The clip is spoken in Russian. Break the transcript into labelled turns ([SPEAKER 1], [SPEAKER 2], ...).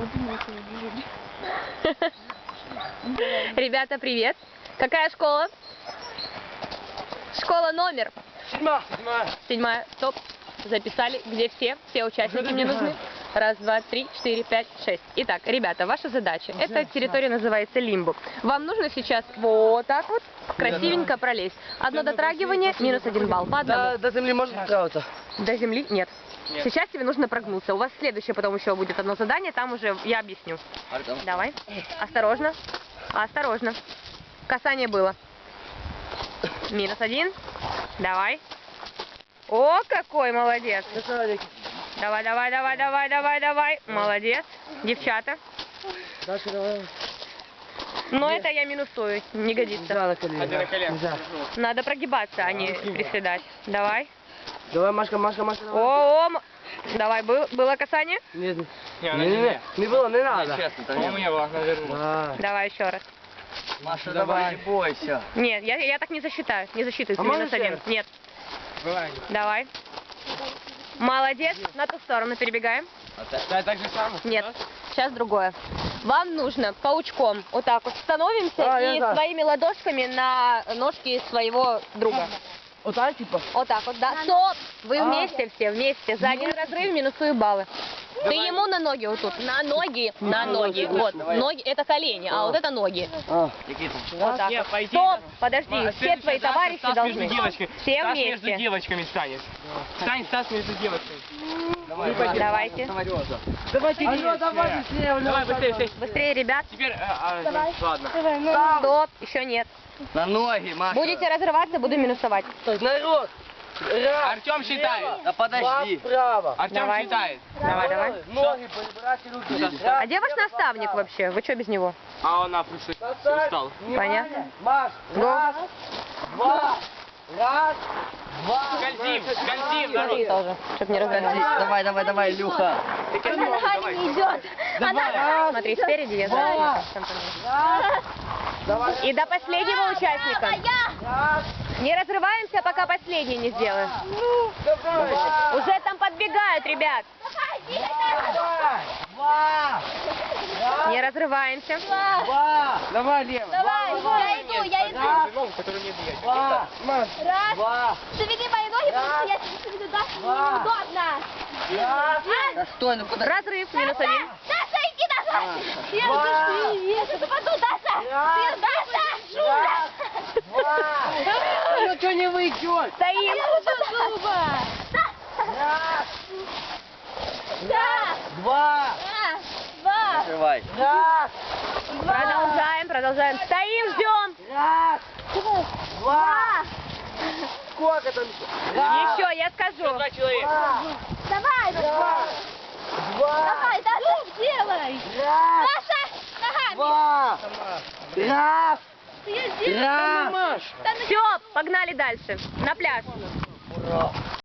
[SPEAKER 1] Ребята, привет. Какая школа? Школа номер? 7. Стоп. Записали. Где все? Все участники мне нужны. 1, 2, 3, 4, 5, 6. Итак, ребята, ваша задача. Эта территория называется лимбо. Вам нужно сейчас вот так вот красивенько пролезть. Одно дотрагивание, минус 1 балл. По одному.
[SPEAKER 2] До земли можно справиться?
[SPEAKER 1] До земли? Нет. Сейчас тебе нужно прогнуться. У вас следующее потом еще будет одно задание, там уже я объясню. Давай. Осторожно. Осторожно. Касание было. Минус 1. Давай. О, какой молодец. Давай, давай, давай, давай, давай, давай. Молодец. Девчата. Но это я минусую, не годится. Надо прогибаться, а не приседать. Давай.
[SPEAKER 2] Давай, Машка, Машка, Машка.
[SPEAKER 1] О, давай, было касание?
[SPEAKER 2] Нет, не было, не надо.
[SPEAKER 3] У меня было наверху.
[SPEAKER 1] Давай еще раз.
[SPEAKER 3] Маша, давай, не бойся.
[SPEAKER 1] Нет, я так не засчитаю. Не засчитываю, ты минус 1. Нет. Давай. Молодец. На ту сторону перебегаем.
[SPEAKER 3] Так же самое?
[SPEAKER 1] Нет. Сейчас другое. Вам нужно паучком вот так вот становимся и своими ладошками на ножки своего друга.
[SPEAKER 2] Вот так, типа?
[SPEAKER 1] Вот так вот, да. Стоп! Вы вместе все, вместе. За один разрыв минусую баллы. Ты ему на ноги вот тут. На ноги, на ноги. Вот, ноги, это колени, а вот это ноги. Вот так вот. Стоп! Подожди, все твои товарищи должны. Все
[SPEAKER 3] Стас между
[SPEAKER 1] вместе.
[SPEAKER 3] девочками станет. Стань, Стас между девочками.
[SPEAKER 1] Давайте.
[SPEAKER 2] Давайте, давай быстрее.
[SPEAKER 3] Давай, быстрее.
[SPEAKER 1] Быстрее, ребят.
[SPEAKER 3] Теперь, ладно.
[SPEAKER 1] Стоп, еще нет.
[SPEAKER 3] На ноги, Маша.
[SPEAKER 1] Будете разрываться, буду минусовать.
[SPEAKER 2] Народ.
[SPEAKER 3] Артем считает. Да
[SPEAKER 2] подожди. Справа.
[SPEAKER 3] Артем
[SPEAKER 1] Давай.
[SPEAKER 3] считает.
[SPEAKER 1] Давай, давай.
[SPEAKER 2] Ноги, подбирайте руки.
[SPEAKER 1] А где ваш наставник вообще? Вы что без него?
[SPEAKER 3] А он устал.
[SPEAKER 1] Понятно.
[SPEAKER 2] Маш, раз, два, раз, два.
[SPEAKER 3] Скользим, скользим,
[SPEAKER 1] Смотри
[SPEAKER 3] народ.
[SPEAKER 1] тоже, чтобы не разгонялись.
[SPEAKER 2] Давай, давай, давай, Илюха.
[SPEAKER 1] Она ногами не идет. Смотри, спереди я за.
[SPEAKER 2] Давай.
[SPEAKER 1] И до последнего участника. Не разрываемся, пока последний не сделаем. Уже там подбегают, ребят.
[SPEAKER 2] Два.
[SPEAKER 1] Не разрываемся.
[SPEAKER 2] Два. Давай, Лева.
[SPEAKER 4] Давай, я иду.
[SPEAKER 2] Два.
[SPEAKER 4] Раз.
[SPEAKER 2] Два.
[SPEAKER 4] Заведи мои ноги, потому что я тебе веду дальше, мне неудобно.
[SPEAKER 2] Раз.
[SPEAKER 4] Да
[SPEAKER 2] стой, ну куда?
[SPEAKER 1] Разрыв, минус 1.
[SPEAKER 4] Даша, иди назад. Я сейчас упаду, Даша. Даша, Шура.
[SPEAKER 2] Ну что не выйдет?
[SPEAKER 1] Стоим.
[SPEAKER 2] Раз.
[SPEAKER 4] Да.
[SPEAKER 2] Два.
[SPEAKER 4] Раз, два.
[SPEAKER 2] Открывай. Раз.
[SPEAKER 1] Продолжаем. Стоим, ждем.
[SPEAKER 2] Раз. Два. Сколько там? Раз.
[SPEAKER 1] Еще, я скажу.
[SPEAKER 3] 2 человека.
[SPEAKER 4] Давай,
[SPEAKER 2] Два.
[SPEAKER 4] давай, Даша, делай.
[SPEAKER 2] Раз.
[SPEAKER 4] Даша, ногами.
[SPEAKER 2] Два. Раз.
[SPEAKER 4] Ты ее сделай.
[SPEAKER 2] Раз.
[SPEAKER 4] Да ну
[SPEAKER 1] Все, погнали дальше. На пляж.
[SPEAKER 2] Ура.